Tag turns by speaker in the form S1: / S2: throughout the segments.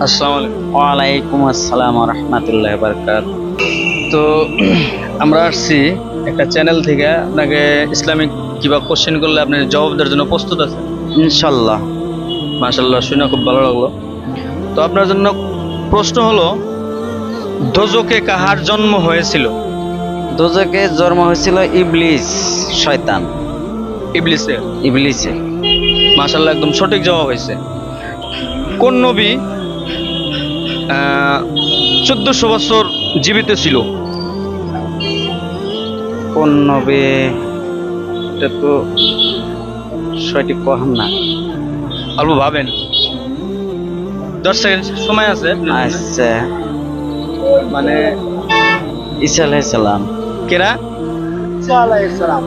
S1: আসসালামু আলাইকুম।
S2: ওয়ালাইকুম আসসালাম ওয়া রাহমাতুল্লাহি ওয়া বারাকাতুহু।
S1: তো আমরা আসছি একটা চ্যানেল থেকে, আপনাকে ইসলামিক কিবা কোশ্চেন করলে আপনি জবাব দেওয়ার জন্য প্রস্তুত আছেন?
S2: ইনশাল্লাহ।
S1: মাশাআল্লাহ, শুনে খুব ভালো লাগলো। তো আপনার জন্য প্রশ্ন হলো, দোজখে কাহার জন্ম হয়েছিল?
S2: দোজখে জন্ম হয়েছিল ইবলিস, শয়তান
S1: ইবলিসের।
S2: ইবলিসের।
S1: মাশাআল্লাহ, একদম সঠিক জবাব হয়েছে। কোন নবী 1400 বছর জীবিত ছিল?
S2: কোন নবী? এটা তো সঠিক কহাম না।
S1: অল্প ভাবেন, 10 সেকেন্ড সময় আছে।
S2: আচ্ছা,
S1: মানে
S2: ঈসা আলাইহিস সালাম।
S1: কেরা?
S3: ঈসা আলাইহিস সালাম।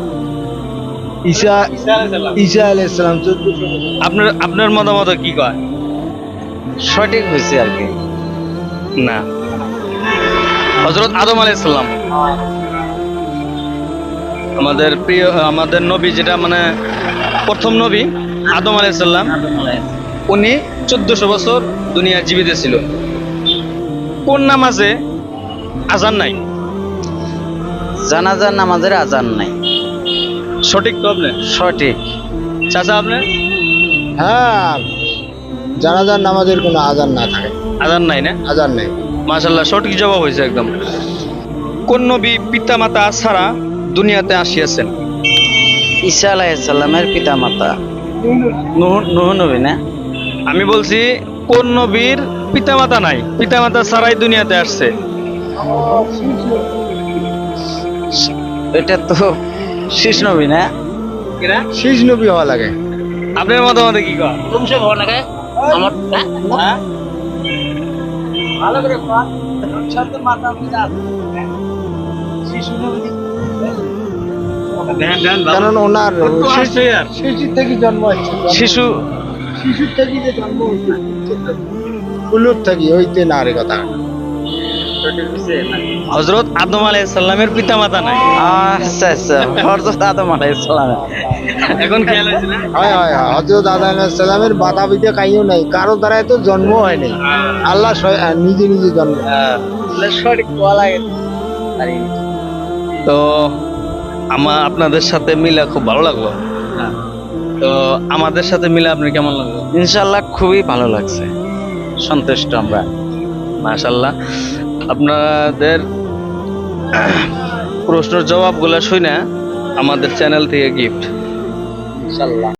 S1: আপনার মতামত কি কয়?
S2: সঠিক হয়েছে আর কি।
S1: না, হযরত আদম আলাইহিস সালাম। আমাদের প্রিয়, আমাদের নবী, যেটা মানে প্রথম নবী আদম আলাইহিস সালাম, উনি 1400 বছর দুনিয়া জীবিত ছিল। কোন নামাজে আজান নাই?
S2: জানাজার নামাজের আজান নাই।
S1: সঠিক তো আপনি?
S2: সঠিক।
S1: চাচা আপনি?
S3: হ্যাঁ, জানাজার নামাজের কোনো আজান না থাকে।
S1: আজান নাই না?
S3: আজান নেই।
S1: মাশাআল্লাহ, সঠিক জবাব হয়েছে একদম। কোন নবী পিতা মাতা ছাড়া দুনিয়াতে আসিয়াছেন?
S2: ঈসা আলাইহিস সালামের পিতা মাতা নূহ নবী না?
S1: আমি বলছি কোন নবীর পিতা মাতা নাই, পিতা মাতা ছাড়াই দুনিয়াতে আসছে?
S2: এটা তো শেষ নবী না?
S3: শেষ নবী হওয়া লাগে।
S1: আপনার মতামতে কি কয়? হ্যাঁ?
S3: কারণ ওনার
S1: একটু আসছে আর।
S3: শিশুর থেকে জন্ম হচ্ছে।
S1: শিশু
S3: শিশুর থেকে যে জন্ম হচ্ছে, কুলুর থেকে হইতে না রে কথা।
S1: হযরত আদম আলাইহিস সালামের পিতা মাতা নাই।
S2: আচ্ছা আচ্ছা, হযরত আদম আলাইহিস সালাম।
S1: এখন খেয়াল হয়েছে না?
S3: হয় হয় হয়, হযরত আদম আলাইহিস সালামের বাধা বিধা কাইও নাই, কারো দ্বারাই তো জন্ম হয় নাই। আল্লাহ নিজে নিজে জন্ম।
S2: সঠিক বলা লাগে।
S1: তো আপনাদের সাথে মিলে খুব ভালো লাগলো। তো আমাদের সাথে মিলে আপনার কেমন লাগলো?
S2: ইনশাআল্লাহ খুবই ভালো লাগছে, সন্তুষ্ট আমরা।
S1: মাশাআল্লাহ, আপনাদের প্রশ্নের জবাবগুলো শুনে আমাদের চ্যানেল থেকে গিফট।
S2: ইনশাআল্লাহ।